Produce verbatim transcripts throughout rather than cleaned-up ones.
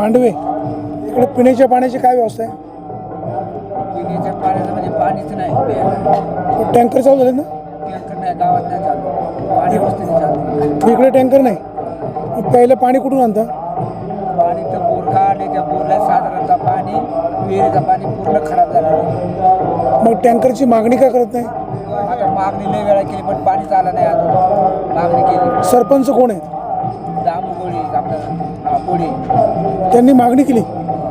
मांडवे इकडे पिण्याच्या पाण्याची काय व्यवस्था आहे? पिण्याच्या पाण्याचं म्हणजे पाणीच नाही. टँकर चालू झाले ना? टँकर नाही, गावात नाही चालू, पाणी वस्तीने चालू. इकडे टँकर नाही, मग प्यायला पाणी कुठून आणता? पाणी तर बोर काढले, त्या बोरला साधारणतः पाणी विहिरीचं पाणी पूर्ण खराब झालं आहे. मग टँकरची मागणी का करत नाही? आता मागणी लय वेळा केली पण पाणीच आलं नाही अजून. मागणी केली. सरपंच कोण आहेत? दामू गोळी आपल्याला हा गोळी त्यांनी मागणी केली,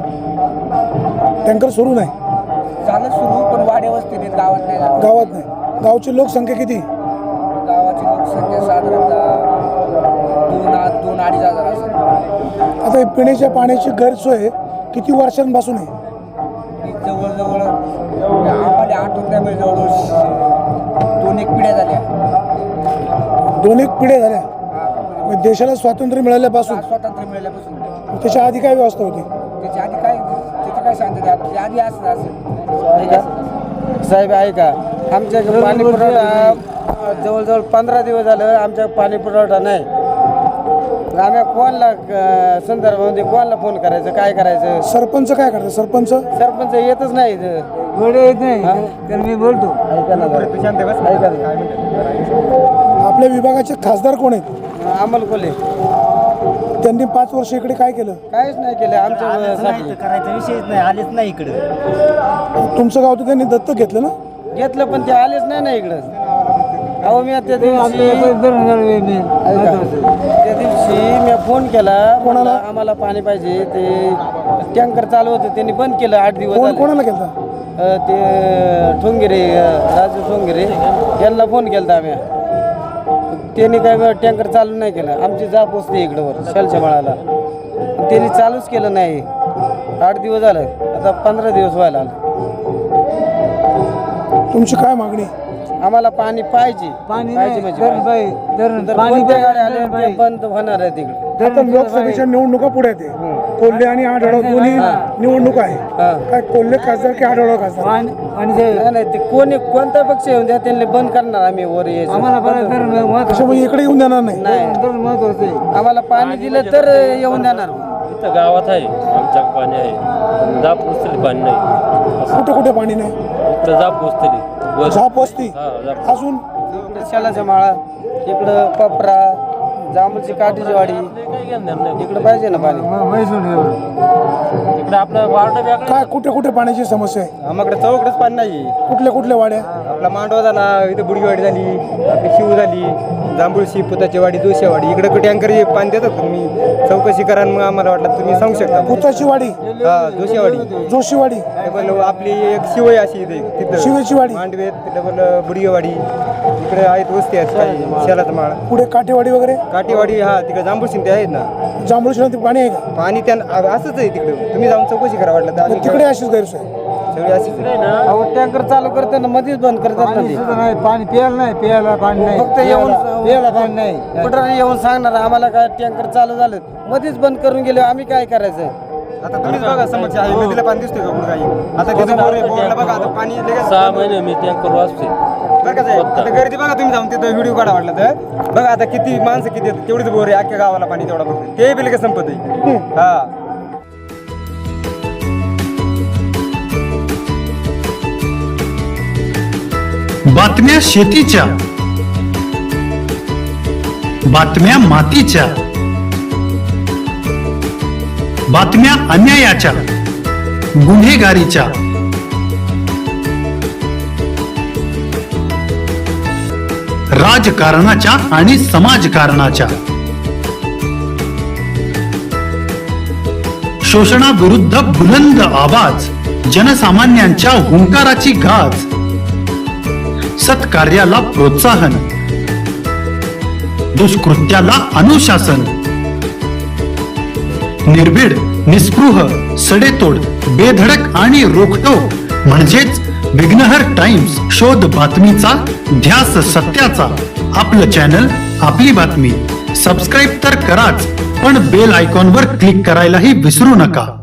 टँकर सुरू नाही. झालं सुरू पण वाड्या वस्तीने गावात नाही झालं. गावात नाही. गावची लोकसंख्या किती? गावाची लोकसंख्या साधारणतः दोन दोन अडीच हजार असेल. आता हे पिण्याच्या पाण्याची गैरसोय किती वर्षांपासून आहे? ही जवळजवळ आम्हाला आठवत नाही, म्हणजे जवळजवळ दोन एक पिढ्या झाल्या. दोन एक पिढ्या झाल्या. हा, मग देशाला स्वातंत्र्य मिळाल्यापासून स्वातंत्र्य मिळाल्यापासून त्याच्या आधी काय व्यवस्था होती? त्याच्या आधी काय त्याचं काय सांगते त्याच्या आधी असं असं साहेब आहे का, आमच्या पाणी पुरवठा जवळजवळ पंधरा दिवस झालं आमच्या पाणी पुरवठा नाही. आम्ही कोणाला संदर्भामध्ये कोणाला फोन करायचं, काय करायचं? सरपंच काय करतात? सरपंच सरपंच येतच नाही इथं. वेळ येत नाही तर मी बोलतो. ऐका ना जरा. ऐका ना. आपल्या विभागाचे खासदार कोण आहेत? अमोल कोल्हे त्यांनी पाच वर्ष इकडे काय केलं? काहीच नाही केलं आमच्यासाठी. करायचा विषयच नाही, आलेच नाही इकडे. तुमचं गाव तर त्यांनी दत्तक घेतलं ना? घेतलं पण ते आलेच नाही ना इकडं. अहो मी त्या दिवशी ऐका, त्या दिवशी मी फोन केला, कोणाला आम्हाला पाणी पाहिजे, ते टँकर चालू होतं त्यांनी बंद केलं. आठ दिवस कोण झाले. कोणाला केलं? अ, ते ठोंगिरे, राजू ठोंगिरे यांना फोन केला आम्ही. त्यांनी काय टँकर चालू नाही केलं. आमची जाप असते इकडं वर शालच्या माळाला, त्यांनी चालूच केलं नाही. आठ दिवस झालं, आता पंधरा दिवस व्हायला आलं. तुमची काय मागणी? आम्हाला पाणी पाहिजे. पाणी पाहिजे नाही, म्हणजे तर बाई, तर तर पाणी कोणत्या गाड्या तर आल्या बाई. ते बंद होणार आहे तिकडे. आता लोकसभेच्या निवडणुका पुढे येते. कोल्हे आणि आढळराव दोन्ही निवडणूक आहे. हा. काय कोल्हे खासदार की आढळराव खासदार? पाणी पाणी ते नाही नाही, ते कोणी कोणता पक्ष येऊन द्या, त्यांनी बंद करणार आम्ही वर यायचं. आम्हाला बरं तर महत्त्वाचं त्याच्यामुळे इकडे येऊन देणार नाही. नाही, तर महत्त्वाचं आहे. आम्हाला पाणी दिलं तर येऊन देणार. इथं गावात आहे आमच्या पाणी आहे, पण जाप पोचतली पाणी नाही. कुठे कुठे पाणी नाही? इकडं जाप पोचतली वर. झाप वस्ती हा जाप. अजून इकडे शालाच्या माळा, इकडं पपरा, जांभूळची काठीची वाडी, काही घेणार नाही. इकडे पाहिजे ना पाणी. मग म्हैसून एवढं. इकडे आपलं वार्ड वेगळं. काय कुठे कुठे पाण्याची समस्या आहे? आम्हाकडे चौकडेच पाणी नाही. कुठल्या कुठल्या वाड्या? आपला मांडवा झाला, इथं बुडगीवाडी झाली, आपली शिव झाली, जांभूळशी, पुताची वाडी, जोशीवाडी. इकडे टँकर पाणी देतात तुम्ही, चौकशी करा. मग आम्हाला वाटलं तुम्ही सांगू शकता. भूताची वाडी, हा, जोशीवाडी. जोशीवाडी, डबल आपली एक शिवई अशी इथे तिथं शिवेची वाडी, मांडवेत, डबल बुडगेवाडी. इकडे आहेत वस्ती आहेत काही, शेलाचा माळ, पुढे काठेवाडी वगैरे, काठीवाडी. हा, तिकडे जांभूळशी ते आहेत ना. जांभूळशी नदी पाणी आहे का? पाणी त्यांना असंच आहे तिकडे. तुम्ही जाऊन चौकशी करा वाटलं तर. मग तिकडे अशीच गैरसोय. सगळी अशीच आहे. टँकर चालू करताना मध्येच बंद करतात ना पाणी ते. सुद्धा नाही, पाणी प्यायला नाही, प्यायला पाणी नाही. फक्त येऊन प्यायला पाणी नाही. कुठं येऊन सांगणार आम्हाला काय टँकर चालू झालं, मध्येच बंद करून गेले, आम्ही काय करायचं? आता तुम्हीच बघा समक्ष आहे, नदीला पाणी दिसतोय का कुठं काही? आता तिथं बोर आहे, बोरला बघा आता पाणी लगेच. सहा महिने मी टँकर वाचते. बरं का साहेब, आता गर्दी बघा तुम्ही जाऊन तिथं व्हिडिओ काढा वाटलं तर. बघा आता किती माणसं किती आहेत, तेवढीच बोर आहे अख्ख्या गावाला पाणी तेवढा फक्त. ते बी लगेच संपत आहे. हा, बातम्या शेतीच्या, बातम्या मातीच्या, बातम्या अन्यायाच्या, गुन्हेगारीच्या, राजकारणाच्या आणि समाजकारणाच्या, शोषणाविरुद्ध बुलंद आवाज, जनसामान्यांच्या हुंकाराची गाज, सत्कार्याला प्रोत्साहन, दुष्कृत्याला अनुशासन, निर्भीड, निस्पृह, सडेतोड, बेधडक आणि रोखटोक म्हणजेच विघ्नहर टाइम्स. शोध बातमीचा, ध्यास सत्याचा. आपलं चॅनल, आपली बातमी. सबस्क्राईब तर कराच, पण बेल आयकॉनवर क्लिक करायलाही विसरू नका.